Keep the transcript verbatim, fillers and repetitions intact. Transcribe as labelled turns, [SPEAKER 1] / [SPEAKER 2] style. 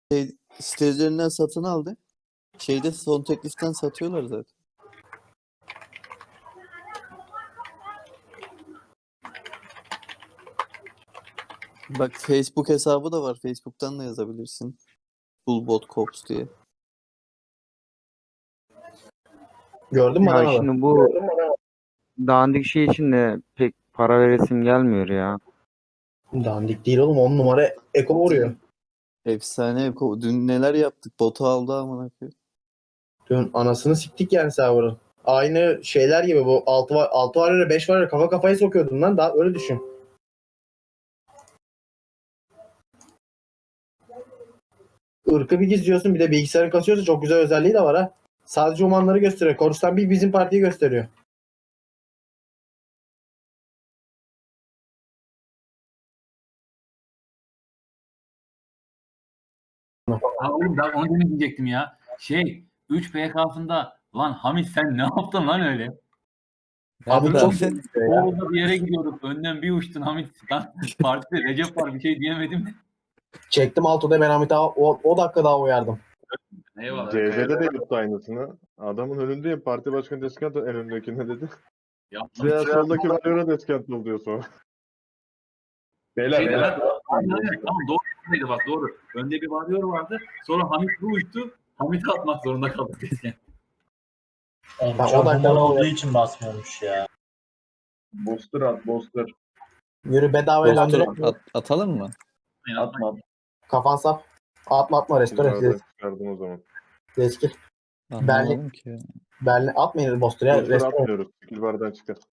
[SPEAKER 1] Şey, site üzerinden satın aldı. Şeyde son tekliften satıyorlar zaten. Bak Facebook hesabı da var. Facebook'tan da yazabilirsin. Bullbot Cops diye.
[SPEAKER 2] Gördün mü
[SPEAKER 3] Ya
[SPEAKER 2] Adanalı?
[SPEAKER 3] şimdi bu dandik şey için de pek para veresim gelmiyor ya.
[SPEAKER 2] Dandik değil oğlum. On numara eko vuruyor.
[SPEAKER 1] Efsane. Eko. Dün neler yaptık? Botu aldı amına koyayım.
[SPEAKER 2] Dün anasını siktik yani server'ın. Aynı şeyler gibi bu altı var altı var ya beş var ya kafa kafaya sokuyordun lan daha öyle düşün. Irkı bir gizliyorsun bir de bilgisayarın kasıyorsa çok güzel özelliği de var ha. Sadece umanları gösteriyor. Korustan bir bizim partiyi gösteriyor.
[SPEAKER 4] Ha oğlum ben onu demin diyecektim ya. Şey üç P K'sında lan Hamit sen ne yaptın lan öyle?
[SPEAKER 2] Abi
[SPEAKER 1] Ben-
[SPEAKER 2] çok
[SPEAKER 4] Oğuz'da bir yere gidiyorduk. Önden bir uçtun Hamit. Lan partide Recep var bir şey diyemedim.
[SPEAKER 2] çektim altıda ben Hamit'e o, o dakika daha uyardım.
[SPEAKER 4] Eyvallah.
[SPEAKER 5] C C'de de yaptı aynısını. Adamın önündeyim. Parti başkanı deskant en önündekine dedi.
[SPEAKER 4] Yaptım.
[SPEAKER 5] Veya soldaki varıyor'a deskant ol diyor sonra. Beyler,
[SPEAKER 4] Şeydi,
[SPEAKER 5] beyler.
[SPEAKER 4] ben- Aynen, aynen. Tamam doğru. Bak doğru. Önde bir varıyor vardı. Sonra Hamit bir uçtu. Hamit'i atmak zorunda kaldık desken.
[SPEAKER 6] Oğlum,
[SPEAKER 2] Ha, o
[SPEAKER 6] çok
[SPEAKER 2] dakika
[SPEAKER 6] humor
[SPEAKER 2] oluyor.
[SPEAKER 6] olduğu için basmıyormuş ya.
[SPEAKER 5] Booster at, booster.
[SPEAKER 2] Yürü bedavaya
[SPEAKER 1] Restore
[SPEAKER 2] döndürüp
[SPEAKER 1] at- atalım mı?
[SPEAKER 4] Yani
[SPEAKER 5] Atma.
[SPEAKER 2] kafan sap. Atma atma restore.
[SPEAKER 5] Nereden çıkardım o zaman.
[SPEAKER 2] Reskil.
[SPEAKER 1] Anlamadım ki ya.
[SPEAKER 2] Berlin atmayın Boster ya.
[SPEAKER 5] Booster
[SPEAKER 2] Restore.
[SPEAKER 5] atmıyoruz. Skill bardan çıkar.